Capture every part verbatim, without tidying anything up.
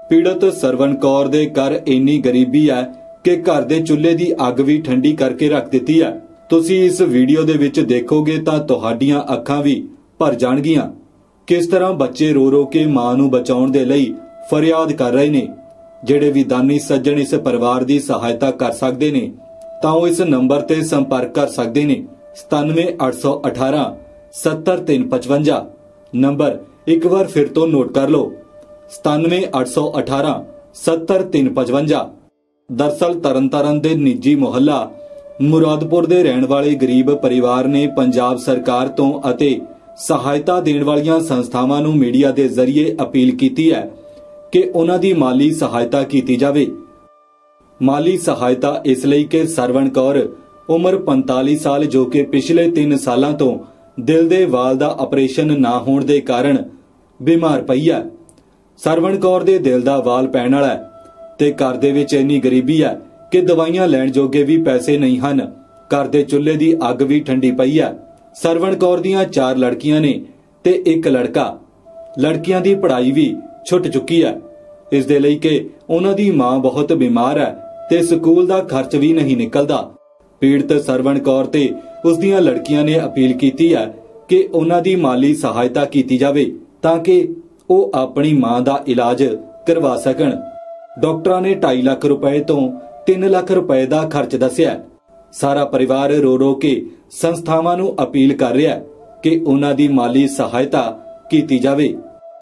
पीड़ित सरवण कौर दे घर इन्नी गरीबी है कि घर दे चुल्हे दी अग भी ठंडी करके रख दिती है। तुसी इस वीडियो दे विच देखोगे तां तुहाडीआं अखां भी भर जाणगीआं। किस तरह बच्चे रो रो के मां नूं बचाउण दे लई फरियाद कर रहे ने। ਜਿਹੜੇ भी दानी सज्जण इस परिवार की सहायता कर सकते ने तां ओह इस नंबर ते संपर्क कर सकते ने सतानवे अठ सौ अठारह सत्तर तीन पचवंजा। नंबर एक बार फिर तो नोट कर लो, सतानवे अठ सौ अठारह सत्तर तीन पचवंजा। दरअसल तरनतारन दे निजी मुहल्ला मुरादपुर दे रहण वाले गरीब परिवार ने पंजाब सरकार तो अते सहायता देण वालियां संस्थावां नूं मीडिया दे जरिए अपील कीती है कि उन्हां दी माली सहायता कीती जावे। माली सहायता इसलिए कि सरवण कौर उम्र पैंताली साल जो कि पिछले तीन सालों तो दिल दे वाल दा ऑपरेशन ना होने दे कारण बीमार पई है। सरवण कौर दे दिल दा वाल पैण वाला है ते घर दे विच इन्नी गरीबी है कि दवाइयां लैण जोगे भी पैसे नहीं हन। घर दे चुल्हे दी अग भी ठंडी पई है। सरवण कौर दियां चार लड़कियां ने ते एक लड़का। लड़कियां दी पढ़ाई भी छुट चुकी है इस दे लई कि उन्हां दी मां बहुत बीमार है ते स्कूल दा खर्च भी नहीं निकलदा। पीड़ित सरवण कौर ते उस दियां लड़कियां ने अपील कीती है कि उन्हां दी माली सहायता कीती जावे ताकि ओह अपनी मां दा इलाज करवा सकण। डॉक्टरां ने ढाई लाख रुपए तो तीन लाख रुपए दा खर्च दस्सिआ। सारा परिवार रो रो के संस्थावां नूं अपील कर रिहा है कि उन्हां दी माली सहायता कीती जावे।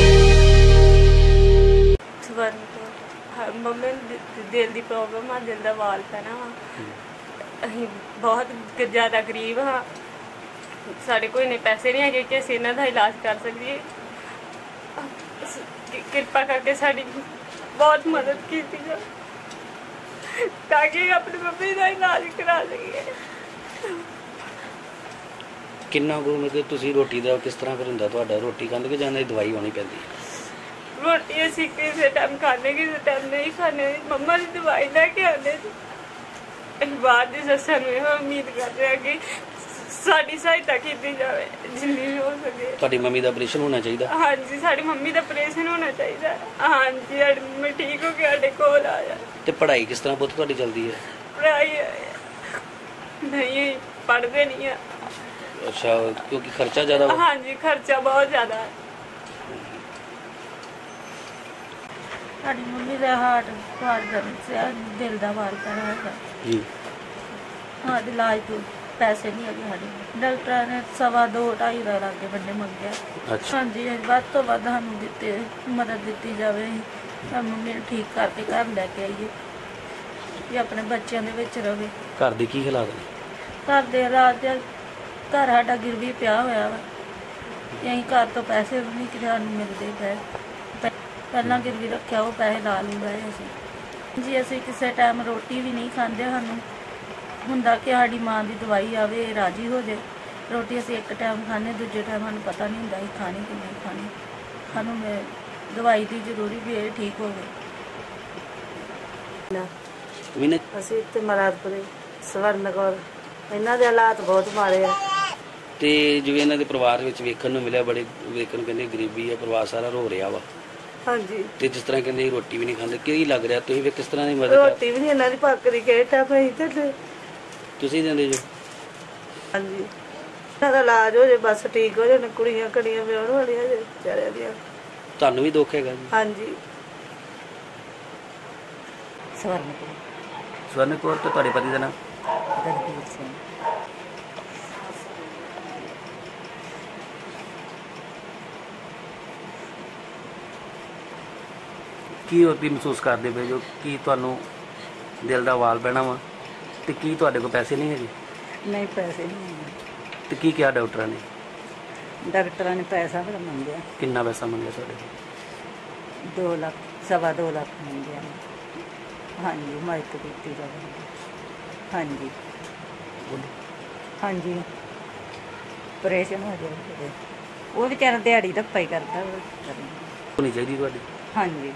मम्मी दिल की प्रॉब्लम आ, दिल का वाल पैना वा। असीं बहुत ज़्यादा गरीब हाँ, साढ़े कोई इन्ने पैसे नहीं है कि असीं इन्हां दा इलाज कर सकीए। कृपा करके साड़ी बहुत मदद की ताकि अपनी मम्मी का इलाज करा सकीए। किन्ना को मतलब तुसीं रोटी दा किस तरह फिर हुंदा तुहाडा? रोटी खांदे कि जां दवाई होनी पैंदी? रोटी असीं किसी टाइम खाने किसी टाइम नहीं खाने। मम्मा की दवाई लैके आने। बाद की सस्सां नूं इहो उम्मीद कर रहे हैं कि साडी सहायता की जाए जिन्नी भी हो सके। तुहाडी मम्मी दा ऑपरेशन होना चाहिए? हाँ जी, साडी मम्मी दा ऑपरेशन होना चाहिए। हाँ जी, साडी मम्मी ठीक हो के साडे कोल आ जाए। ते पढ़ाई किस तरह पुत्त तुहाडी चलदी है? पढ़ाई नहीं, पढ़ते नहीं है। अच्छा, क्योंकि खर्चा ज़्यादा? हाँ जी, खर्चा बहुत ज़्यादा है। साडी मम्मी का हार्ट वाल से दिल का वाल पैना है जी। हाँ, इलाज तो पैसे नहीं है साढ़े। डॉक्टर ने सवा दो ढाई लाख लागे बंदे मंगे। अच्छा। हाँ जी, वध तो वध सानूं दिते मदद दी जाए। मम्मी ठीक करके घर लैके आइए कि अपने बच्चों के विच रहे। घर के की हालात ने? घर के हालात घर साडा गिरवी पिया होया वा। असीं घर तो पैसे भी नहीं कि सानूं मिलते पे। पहला गिरवी रखा वो पैसे ला नहीं रहे असीं जी। असीं किसी टाइम रोटी भी नहीं खाते। सानूं हुंदा कि साडी मां की दवाई आवे राजी हो जाए। रोटी असीं एक टाइम खाने, दूजे टाइम सानूं पता नहीं हुंदा असीं खानी कि नहीं खानी। सानूं दवाई की जरूरी भी है ठीक हो गई। असीं इत्थे मुरादपुरे स्वर्ण कौर, इन्हां दे हालात बहुत माड़े आ। ते जिवें इन्हां दे परिवार विच वेखण नूं मिलिआ, बड़े वेखण कहंदे गरीबी है, परिवार सारा रो रिहा वा। हाँ जी। ते जिस तरह कहंदे रोटी भी नहीं खांदे, की लग रहा तुसीं फिर किस तरह दी मदद? रोटी भी नहीं इन्हां दी पकदी केटा पई ते तुसीं दिंदे जो? हाँ जी, इन्हां दा इलाज हो जाए बस ठीक हो जाए। कुड़ियां कड़ियां विआहण वालियां जे बेचारियां दियां। तुहानूं भी दुख हैगा जी? हाँ जी। स्वर्ण कौर। स्वर्ण कौर, तो तुहाडे पति दा नाम? दलबीर सिंह। की होती महसूस करते पे जो कि तुहानूं दिल का वाल पैना वा ते की तुहाडे कोल पैसे नहीं है? नहीं, पैसे नहीं है। तो की क्या डॉक्टर ने? डॉक्टर ने पैसा बड़ा मंगया। कितना पैसा मंगया तुहाडे? दो लाख सवा दो लाख मंगया। हाँ जी, मदद की जाए। हाँ जी। हाँ जी, ऑपरेशन हो जाए। वो बेचारा दिहाड़ी धप्पा ही करता होनी चाहिए तुहाडी। हाँ जी।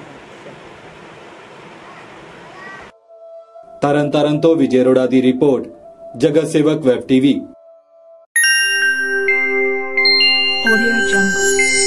तरन तारण तो विजय अरोड़ा की रिपोर्ट, जगत सेवक वैब टीवी। Audio Jungle।